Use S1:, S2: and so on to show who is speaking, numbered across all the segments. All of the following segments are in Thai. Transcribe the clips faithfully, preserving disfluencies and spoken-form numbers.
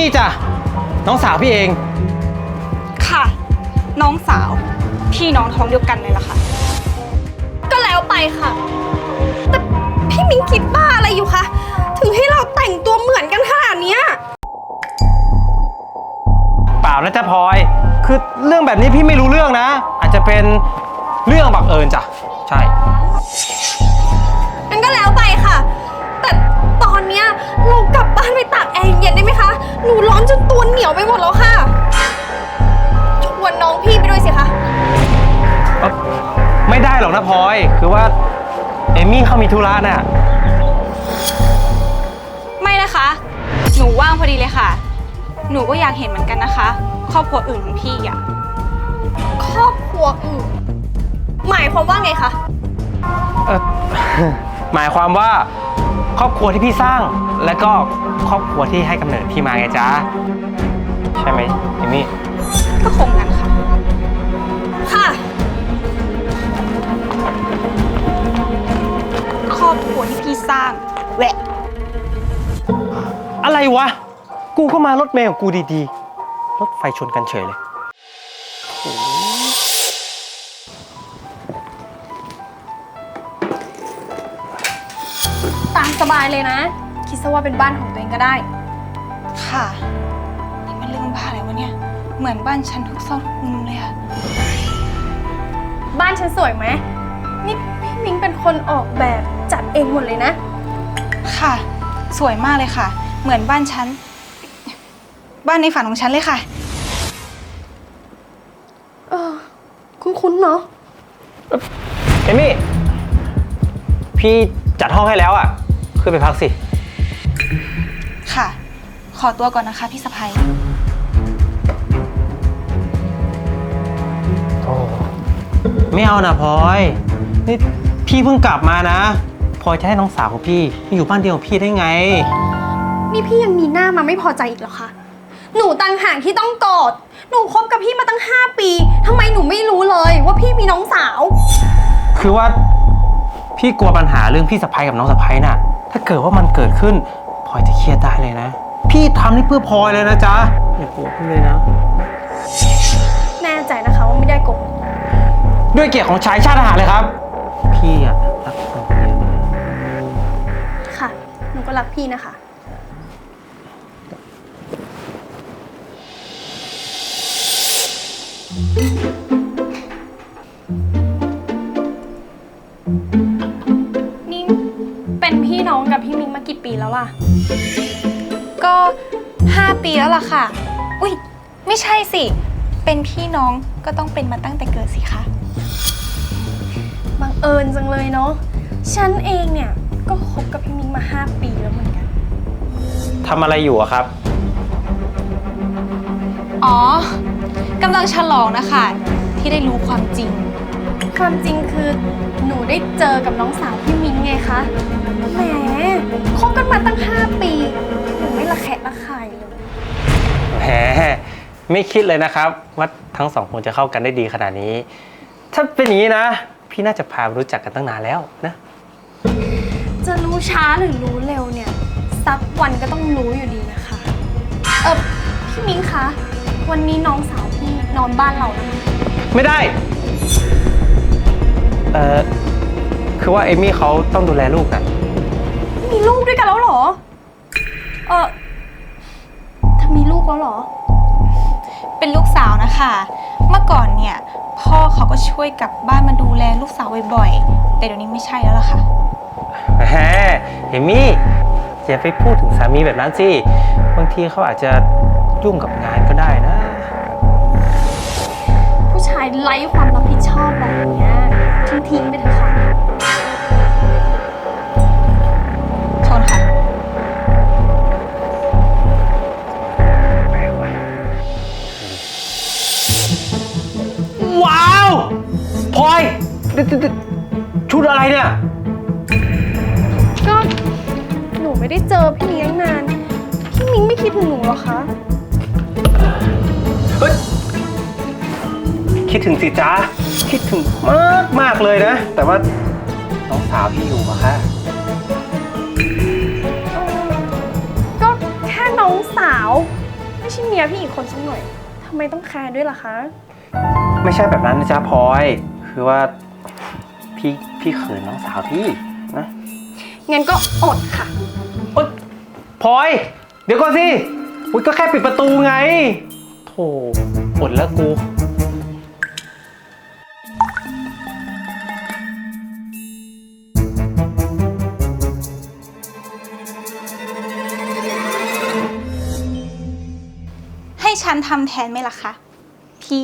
S1: มี่จ้ะน้องสาวพี่เอง
S2: ค่ะน้องสาวพี่น้องท้องเดียวกันเลยล่ะค่ะก็แล้วไปค่ะแต่พี่มิ้งคิดบ้าอะไรอยู่คะถึงให้เราแต่งตัวเหมือนกันขนาดนี้
S1: เปล่านะจ๊ะพลอยคือเรื่องแบบนี้พี่ไม่รู้เรื่องนะอาจจะเป็นเรื่องบังเอิญจ้ะใช่
S2: งั้นก็แล้วไปค่ะแต่ตอนเนี้ยเรากลับบ้านไปตากแอร์เย็นได้ไหมคะหนูร้อนจนตัวเหนียวไปหมดแล้วค่ะชวนน้องพี่ไปด้วยสิคะ
S1: ไม่ได้หรอกนะพลอยคือว่าเอมี่เขามีธุระน่ะ
S2: ไม่นะคะหนูว่างพอดีเลยค่ะหนูก็อยากเห็นเหมือนกันนะคะครอบครัวอื่นของพี่อะครอบครัวอื่นหมายความว่าไงคะ
S1: เออหมายความว่าครอบครัวที่พี่สร้างและก็ครอบครัวที่ให้กำเนิดพี่มาไงจ๊ะใช่ไหมเอมี่
S2: ก็คงงั้นค่ะค่ะครอบครัวที่พี่สร้างแหวะ
S1: อะไรวะกูก็มารถเมล์ของกูดีๆรถไฟชนกันเฉยเลย
S2: ตามสบายเลยนะคิดซะว่าเป็นบ้านของตัวเองก็ได้ค่ะนี่มันเรื่องบ้าอะไรวะเนี่ยเหมือนบ้านฉันทุกซอกทุกมุมเลยอะบ้านฉันสวยไหมนี่พี่มิ้งเป็นคนออกแบบจัดเองหมดเลยนะค่ะสวยมากเลยค่ะเหมือนบ้านฉันบ้านในฝันของฉันเลยค่ะเออคุ้นๆเนาะ
S1: เอมี่พี่จัดห้องให้แล้วอ่ะขึ้นไปพักสิ
S2: ค่ะขอตัวก่อนนะคะพี่สะใภ้
S1: โอ้ไม่เอานะพลอยนี่พี่เพิ่งกลับมานะพลอยจะให้น้องสาวของพี่มาอยู่บ้านเดียวกับพี่ได้ไง
S2: นี่พี่ยังมีหน้ามาไม่พอใจอีกเหรอคะหนูต่างหากที่ต้องกอดหนูคบกับพี่มาตั้งห้าปีทำไมหนูไม่รู้เลยว่าพี่มีน้องสาว
S1: คือว่าพี่กลัวปัญหาเรื่องพี่สะใภ้กับน้องสะใภ้น่ะถ้าเกิดว่ามันเกิดขึ้นพลอยจะเครียดได้เลยนะพี่ทำนี่เพื่อพลอยเลยนะจ๊ะอย่าโกรธพี่เลยนะ
S2: แน่ใจนะคะว่าไม่ได้โกรธ
S1: ด้วยเกียรติของชายชาติทหารเลยครับพี่อะรักพลอยเยอะเลย
S2: ค่ะหนูก็รักพี่นะคะนี่เป็นพี่น้องกับพี่มิ้งมากี่ปีแล้วล่ะก็ห้าปีแล้วล่ะค่ะอุ้ยไม่ใช่สิเป็นพี่น้องก็ต้องเป็นมาตั้งแต่เกิดสิคะบังเอิญจังเลยเนาะฉันเองเนี่ยก็คบกับพี่มิ้งมาห้าปีแล้วเหมือนกัน
S1: ทำอะไรอยู่อะครับ
S2: อ๋อกำลังฉลองนะคะที่ได้รู้ความจริงความจริงคือหนูได้เจอกับน้องสาวพี่มิ้งไงคะแหมคบกันมาตั้งห้าปีหนูไม่ระแคะระคายเลย
S1: แหมไม่คิดเลยนะครับว่าทั้งสองคนจะเข้ากันได้ดีขนาดนี้ถ้าเป็นอย่างนี้นะพี่น่าจะพารู้จักกันตั้งนานแล้วนะ
S2: จะรู้ช้าหรือรู้เร็วเนี่ยสักวันก็ต้องรู้อยู่ดีนะคะเออพี่มิ้งคะวันนี้น้องสาวพี่นอนบ้านเราแล้ว
S1: ไม่ได้เออคือว่าเอมี่เขาต้องดูแลลูกนะ
S2: มีลูกด้วยกันแล้วเหรอเออเธอมีลูกแล้วเหรอเป็นลูกสาวนะคะเมื่อก่อนเนี่ยพ่อเขาก็ช่วยกลับบ้านมาดูแลลูกสาวบ่อยๆแต่เดี๋ยวนี้ไม่ใช่แล้วล่ะค่ะ
S1: แหมเอมี่อย่าไปพูดถึงสามีแบบนั้นสิบางทีเขาอาจจะยุ่งกับงานก็ได้นะ
S2: ผู้ชายไร้ความรับผิดชอบแบบนี้ทิ้งๆไปเถอะค่ะชนค่ะ
S1: ว้าวพลอยชุดอะไรเนี่ย
S2: ก็หนูไม่ได้เจอพี่มิ้งนานพี่มิ้งไม่คิดถึงหนูหรอคะ
S1: เฮ้ยคิดถึงสิจ๊ะคิดถึงมากมากเลยนะแต่ว่าน้องสาวพี่อยู่อะค่ะ
S2: ก็แค่น้องสาว
S3: เมียพี่อีกคนสักหน่อยทำไมต้องแคร์ด้วยล่ะคะ
S1: ไม่ใช่แบบนั้นนะจ๊ะพลอย คือว่าพี่พี่เขินน้องสาวพี่นะ
S3: งั้นก็อดค่ะ
S1: โอ๊ยพลอย เดี๋ยวก่อนสิอุ๊ยก็แค่ปิดประตูไงโธ่อดแล้วกู
S2: ให้ฉันทำแทนไหมล่ะคะ พี่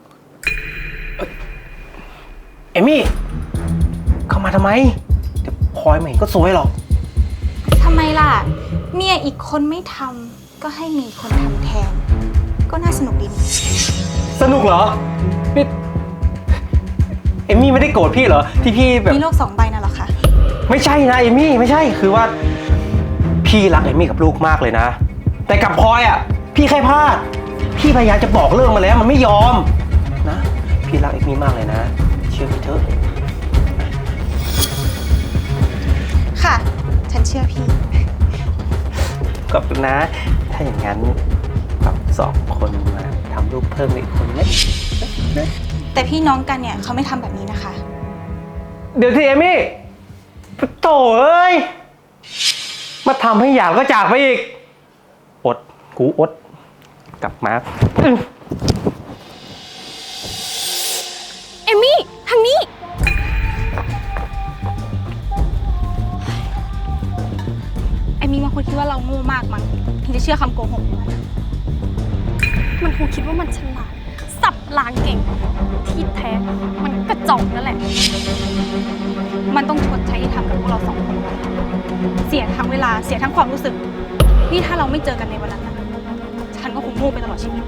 S1: เอมี่ เข้ามาทำไม เดี๋ยวพลอยไม่เห็นก็สวยหรอก
S2: ทำไมล่ะ เมียอีกคนไม่ทำก็ให้มีคนทำแทน ก็น่าสนุกดีนี่
S1: สนุกเหรอนี่เอมี่ไม่ได้โกรธพี่เหรอ ที่พี่แบบ
S2: มีโลกสองใบน่ะเหรอคะ
S1: ไม่ใช่นะเอมี่ไม่ใช่ คือว่า พี่รักเอมี่กับลูกมากเลยนะ แต่กับพลอยอ่ะ พี่แค่พลาด พี่พยายามจะบอกเรื่องมาแล้วมันไม่ยอมนะ พี่รักเอมี่มากเลยนะ เชื่อพี่เถอะ
S2: ค่ะ ฉันเชื่อพี่
S1: ขอบคุณนะ ถ้าอย่างนั้นเราสองคนมาทำลูกเพิ่มอีกคนไหม
S2: แต่พี่น้องกันเนี่ยเขาไม่ทำแบบนี้นะคะ
S1: เดี๋ยวสิเอมี่โถ่เอ้ย มาทำให้อยากก็จากไปอีก อด กูอด กลับมาอื้อ
S3: เอมี่ ทางนี้
S2: ไอ้มีมันคงคิดว่าเราโง่มากมั้งถึงจะเชื่อคำโกหกของมัน
S3: มันคงคิดว่ามันฉลาด สับลางเก่ง ที่แท้ มันกระจอกนั่นแหละ
S2: มันต้องชดใช้ที่ทำกับพวกเราสองคน เสียทั้งเวลา เสียทั้งความรู้สึก นี่ถ้าเราไม่เจอกันในวันนั้นนะฉันก็คงโง่ไปตลอดชีวิต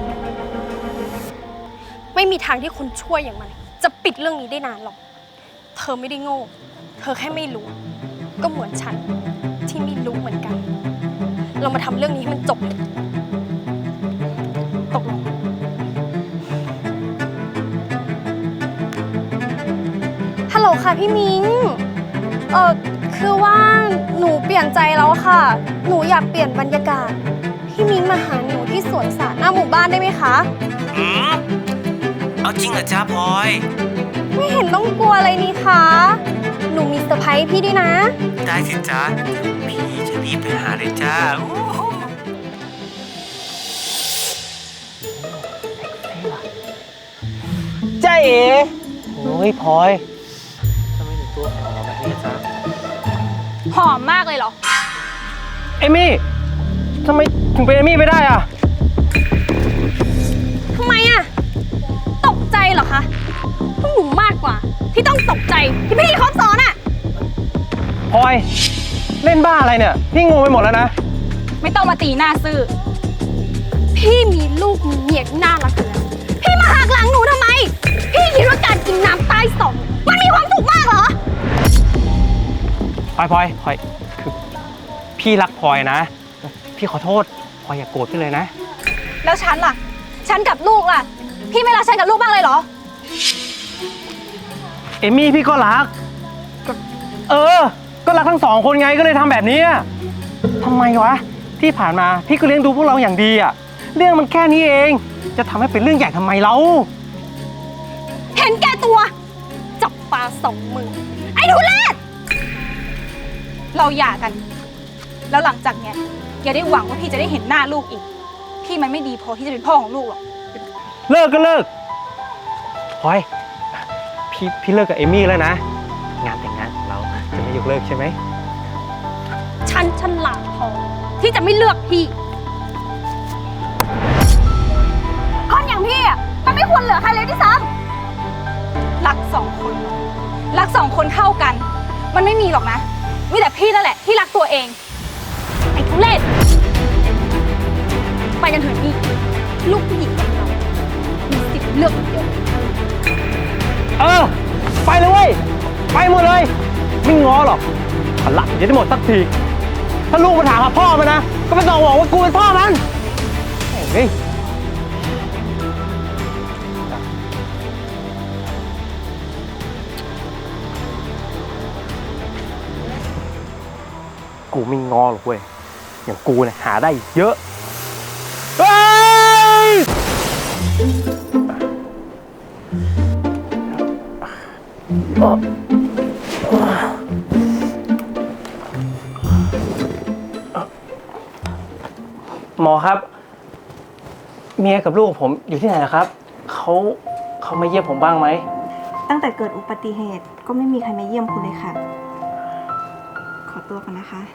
S3: ไม่มีทางที่คนช่วยอย่างมัน จะปิดเรื่องนี้ได้นานหรอก เธอไม่ได้โง่ เธอแค่ไม่รู้ ก็เหมือนฉันที่ไม่รู้เหมือนกัน เรามาทำเรื่องนี้ให้มันจบเลยตกลง ฮัลโหลค่ะพี่มิง เออคือว่าหนูเปลี่ยนใจแล้วค่ะ หนูอยากเปลี่ยนบรรยากาศ พี่มิงมาหาหนูที่สวนสาธารณะหน้าหมู่บ้านได้ไหมคะ
S1: อืมเอาจริงเหรอจ้าพลอย
S3: ไม่เห็นต้องกลัวอะไรนี่คะ หนูมีเซอร์ไพรส์พี่ด้วยนะ
S1: ได้สิจ้าพี่จะรีบไปหาเลยจ้าจ้าเอ๋โอ้ยพลอยทำไมถึงตัวหอมแบบนี้จ้า
S2: หอมมากเลยเหรอ
S1: เอมี่ทำไมถึงเป็นเอมี่ไม่ได้อ่ะ
S3: ทำไมอะตกใจเหรอคะพวกหนูมากกว่า ที่ต้องตกใจที่พี่เขาสอนอะ
S1: พลอย เล่นบ้าอะไรเนี่ย พี่งงไปหมดแล้วนะ
S2: ไม่ต้องมาตีหน้าซื่อ
S3: พี่มีลูกมีเมียที่น่ารักอยู่แล้วพี่มาหักหลังหนูทำไม พี่คิดว่าการกินน้ำใต้ศอกมันมีความสุขมากเหรอ
S1: พลอยพลอยพลอยคือพี่รักพลอยนะ พี่ขอโทษพลอยอย่าโกรธพี่เลยนะ
S2: แล้วฉันล่ะ ฉันกับลูกล่ะ พี่ไม่รักฉันกับลูกบ้างเลยเหรอ
S1: เอมี่พี่ก็รักก็เออ ก็รักทั้งสองคนไงก็เลยทำแบบนี้อะทำไมวะ ที่ผ่านมาพี่ก็เลี้ยงดูพวกเราอย่างดีอะเรื่องมันแค่นี้เอง จะทำให้เป็นเรื่องใหญ่ทำไมเรา
S3: เห็นแก่ตัว จับปลาสองมือ ไอ้ทุเรศ
S2: เราหย่ากัน แล้วหลังจากเนี้ยอย่าได้หวังว่าพี่จะได้เห็นหน้าลูกอีก พี่มันไม่ดีพอที่จะเป็นพ่อของลูกหรอก
S1: เลิกก็เลิกพลอยพี่พี่เลิกกับเอมี่แล้วนะ งานแต่งงานของเราจะไม่ยกเลิกใช่ไหม
S3: ฉันฉลาดพอที่จะไม่เลือกพี่ คนอย่างพี่อ่ะมันไม่ควรเหลือใครเลยที่ซ้
S2: รักสองคน รักสองคนเท่ากัน มันไม่มีหรอกนะ มีแต่พี่นั่นแหละที่รักตัวเอง
S3: ำไอ้ทุเรศไปกันเถอะพี่ ลูกผู้หญิงอย่างเรามีสิทธิ์เลือกคนเดียว
S1: เออ ไปเลยเว้ย ไปหมดเลย ไม่ง้อหรอกพลังจะได้หมดสักที ถ้าลูกมาถามหาพ่อมันนะ ก็ไม่ต้องบอกว่ากูเป็นพ่อมันเฮ้ยกูไม่ง้อหรอกเว้ย อย่างกูเนี่ยหาได้เยอะเฮ้ยหมอครับ เมียกับลูกผมอยู่ที่ไหนนะครับ เขาเขามาเยี่ยมผมบ้างไหม
S4: ตั้งแต่เกิดอุบัติเหตุก็ไม่มีใครมาเยี่ยมคุณเลยค่ะ ขอตัวก่อนนะคะ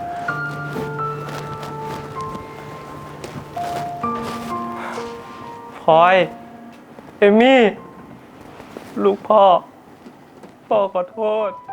S1: พลอย เอมี่ ลูกพ่อ พ่อขอโทษ